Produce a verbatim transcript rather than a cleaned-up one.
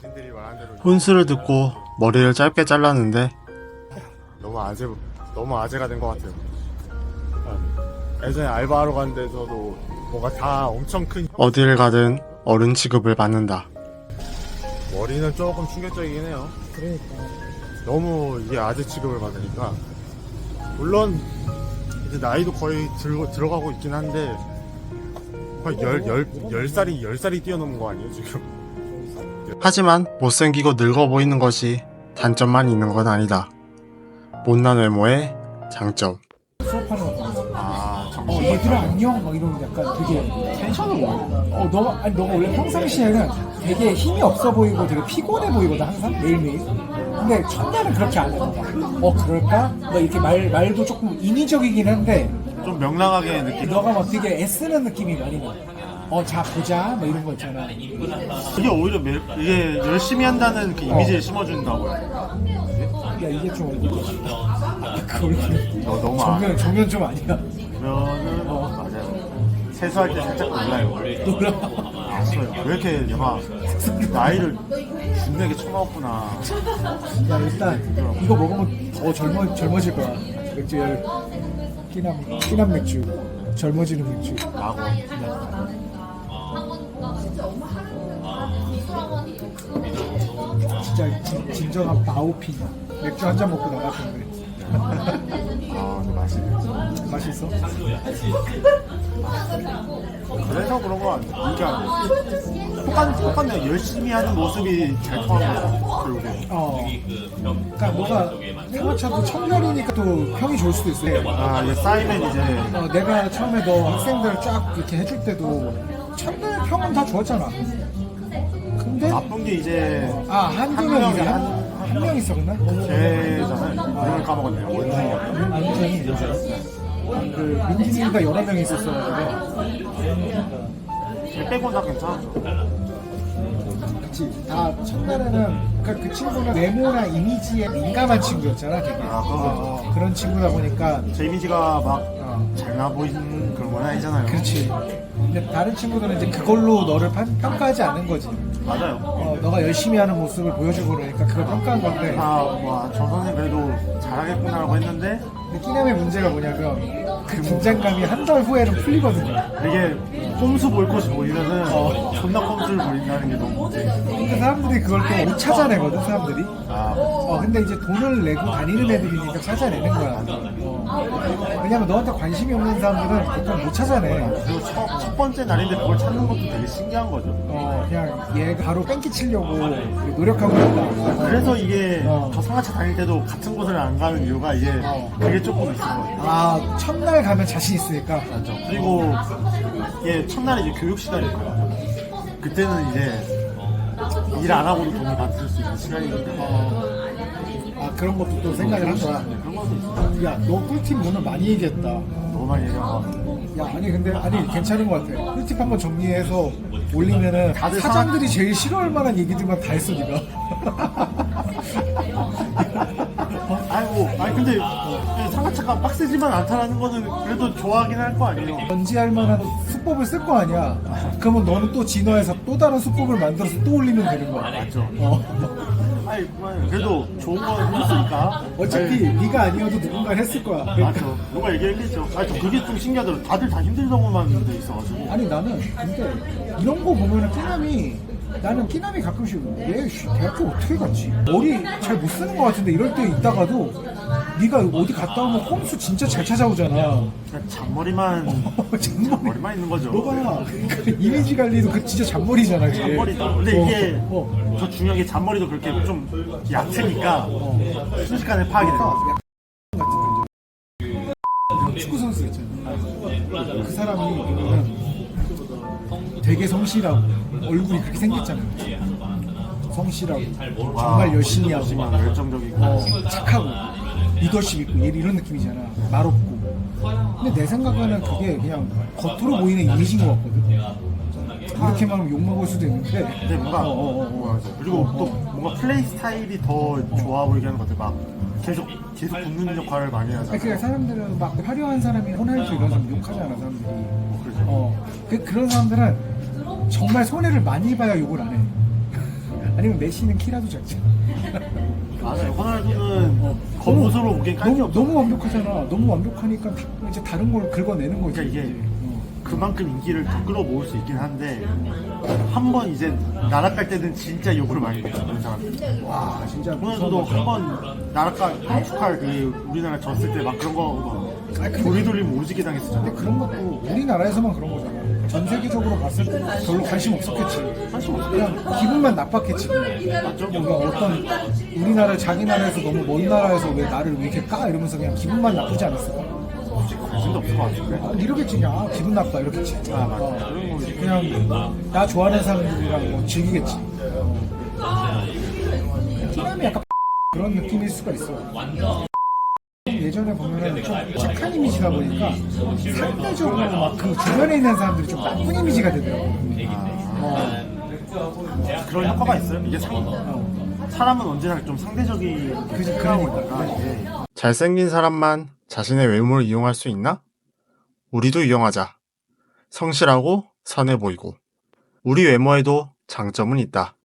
훈수를 듣고 머리를 짧게 잘랐는데 너무 아재 너무 아재가 된 것 같아요. 예전에 알바하러 간 데서도 뭔가 다 엄청 큰 어딜 가든 어른 취급을 받는다. 머리는 조금 충격적이긴 해요. 그러니까 너무 이게 아재 취급을 받으니까. 물론 이제 나이도 거의 들, 들어가고 있긴 한데 거의 열, 열, 열 살이 열 살이 뛰어넘은 거 아니에요 지금? 하지만 못생기고 늙어 보이는 것이 단점만 있는 건 아니다. 못난 외모의 장점. 수업하는 거 같아. 아 어, 정신. 얘들아 안녕 막 이러면 약간 되게 텐션을 올려. 어 너가 아니 너가 원래 평상시에는 되게 힘이 없어 보이고 되게 피곤해 보이거든 항상 매일매일. 근데 첫날은 그렇게 안 해. 어 그럴까? 막 이렇게 말 말도 조금 인위적이긴 한데 좀 명랑하게 느끼. 너가 막 되게 애쓰는 느낌이 많이 나. 어 자 보자 막 이런 거 있잖아. 이게 오히려 매, 이게 열심히 한다는 그 이미지를 심어준다고요. 야 이게 좀 그걸 너 너무 아, 정면 정면 좀 아니야. 그러면은 어, 맞아요. 세수할 때 살짝 놀라요. 놀라. 아쉬워요. 왜 이렇게 얘가 나이를 준내게 처먹었구나. 야 일단 이거 먹으면 더 젊어 젊어질 거야. 맥주 열 끼남 끼남 맥주 젊어지는 맥주. 라고. 진짜 진, 진정한 바오피 맥주 한 잔 먹고 나갔던데. 아, 근데 맛있네. 맛있어? 그래서 그런 거 아니야. 이게 아니야. 똑같, 똑같네. 열심히 하는 모습이 잘 통한 거야. 결국에. 어. 그러니까 뭐가 상하차도 청년이니까 또 평이 좋을 수도 있어. 아, 이게 쌓이면 이제. 어, 내가 처음에 너 학생들 쫙 이렇게 해줄 때도 첫날 평은 다 좋았잖아. 근데 나쁜 게 이제. 아 한두 한 명 명이 이제 한- 한 명 있었나? 걔잖아요. 이름을 까먹었네요. 원숭이요. 완전히 그 민진이가 여러 명이 있었어가지고 걔 빼고 다 괜찮았죠. 그치. 다 첫날에는 그러니까 그 친구는 외모나 이미지에 민감한 친구였잖아 되게. 아, 그런 어, 어, 그런 친구다 보니까 제 이미지가 막 어, 잘나 보이는 그런 건 아니잖아요. 그렇지. 근데 다른 친구들은 이제 그걸로 너를 판- 평가하지 않는 거지. 맞아요. 어, 너가 열심히 하는 모습을 보여주고 그러니까 그걸 평가한 건데. 아, 와, 저 선생 그래도 잘하겠구나라고 했는데 근데 끼남의 문제가 뭐냐면 그 긴장감이 한 달 후에는 풀리거든요. 이게 꼼수 볼 것이 보이면은 어. 존나 꼼수를 보인다는 게 너무 문제. 근데 사람들이 그걸 또 못 찾아내거든 사람들이. 아, 어 근데 이제 돈을 내고 다니는 애들이니까 찾아내는 거야. 어. 왜냐면 너한테 관심이 없는 사람들은 보통 못 찾아내. 그리고 첫, 첫 번째 날인데 그걸 찾는 것도 되게 신기한 거죠. 어 그냥 얘가 바로 뺑기 치려고 노력하고 있다. 어. 그래서 이게 어. 저 상하차 다닐 때도 같은 곳을 안 가는 이유가 이게 어. 그게 조금 있는 거예요. 아 첫날 가면 자신 있으니까. 맞죠. 그리고 이게 첫날에 이제 교육 시간이고요. 그때는 이제 일 안 하고도 돈을 받을 수 있는 시간이기 때문에 아 그런 것도 또 생각을 한 거야. 그런 것도 있어요. 야 너 꿀팁 오늘 많이 얘기했다. 너무 많이 얘기하고 야 아니 근데 아니 괜찮은 것 같아. 꿀팁 한번 정리해서 올리면은 다들 사장들이 제일 싫어할 만한 얘기들만 다 했어 니가. 아이고, 아니 근데 상하차가 빡세지만 않다라는 거는 그래도 좋아하긴 할 거 아니에요. 견지할 만한 수법을 쓸 거 아니야. 그러면 너는 또 진화해서 또 다른 수법을 만들어서 또 올리면 되는 거야. 맞죠. 어. 아니 그래도 좋은 건 했으니까. 어차피 네가 아니어도 누군가 했을 거야. 그러니까. 맞죠. 누가 얘기했겠죠. 아니 저 그게 좀 신기하더라고. 다들 다 힘들다고만 돼 있어가지고. 아니 나는 근데 이런 거 보면은 끼남이 나는 끼남이 가끔씩 얘 씨, 대학교 어떻게 갔지? 머리 잘 못 쓰는 거 같은데 이럴 때 있다가도 네가 어디 갔다 오면 홈수 진짜 잘 찾아오잖아. 그냥 잔머리만 잔머리. 잔머리만 있는 거죠. 너가 그 이미지 관리도 그 진짜 잔머리잖아. 그게. 잔머리도. 근데 어, 이게 어. 더 중요한 게 잔머리도 그렇게 좀 얕으니까 순식간에 파악이 돼요. 축구 선수 있잖아. 그 사람이 보면은 되게 성실하고 얼굴이 그렇게 생겼잖아요. 성실하고 정말 열심히 하고 열심히 하고 열정적이고. 어, 착하고 리더십 있고 얘 이런 느낌이잖아. 말없고. 근데 내 생각에는 그게 그냥 겉으로 보이는 이미지인 것 같거든. 이렇게만 하면 욕먹을 수도 있는데. 근데 뭔가 어, 어, 어. 뭐야, 그리고 또 뭔가 플레이 스타일이 더 좋아 보이게 하는 것 같아. 막 계속 계속 붙는 역할을 많이 하잖아. 아니, 그러니까 사람들은 막 화려한 사람이 호날두 이런 사람 욕하잖아 사람들이. 그러죠. 어, 그, 그런 사람들은 정말 손해를 많이 봐야 욕을 안 해. 아니면 메시는 키라도 작지. 맞아요. 호날두는 겉모습으로 보기엔 깔게 너무 없어. 너무 완벽하잖아. 너무 완벽하니까 다- 이제 다른 걸 긁어내는 거지. 그러니까 이게 어. 그만큼 인기를 더 끌어모을 수 있긴 한데 한 번 이제 나락갈 때는 진짜 욕을 많이 했죠 그런 사람들. 와 진짜 호날두도 한 번 나락가 포르투갈 그 우리나라 졌을 때 막 그런 거 아, 근데- 도리 돌리면 오지게 당했었잖아. 근데 그런 것도 우리나라에서만 그런 거잖아. 전 세계적으로 봤을 때 별로 관심 없었겠지. 관심 없어. 그냥 기분만 나빴겠지. 그냥. 맞죠? 뭔가 어떤 우리나라 자기 나라에서 너무 먼 나라에서 왜 나를 왜 이렇게 까 이러면서 그냥 기분만 나쁘지 않았을까? 관심도 없을 것 같은데. 아, 이러겠지 그냥 아, 기분 나빠 이렇겠지. 아 맞아. 어, 그런 거 그냥 나 좋아하는 사람들이랑 뭐 즐기겠지. 어. 티남이 약간 그런 느낌일 수가 있어. 예전에 보면은 좀 착한 이미지다 보니까 상대적으로 막 그 주변에 있는 사람들이 좀 나쁜 이미지가 되더라고. 어. 그런 효과가 있어요. 이게 상, 어. 사람은 언제나 좀 상대적인 그지, 생각하고 그러니까. 있다가 이게 잘생긴 사람만 자신의 외모를 이용할 수 있나? 우리도 이용하자. 성실하고 선해 보이고. 우리 외모에도 장점은 있다.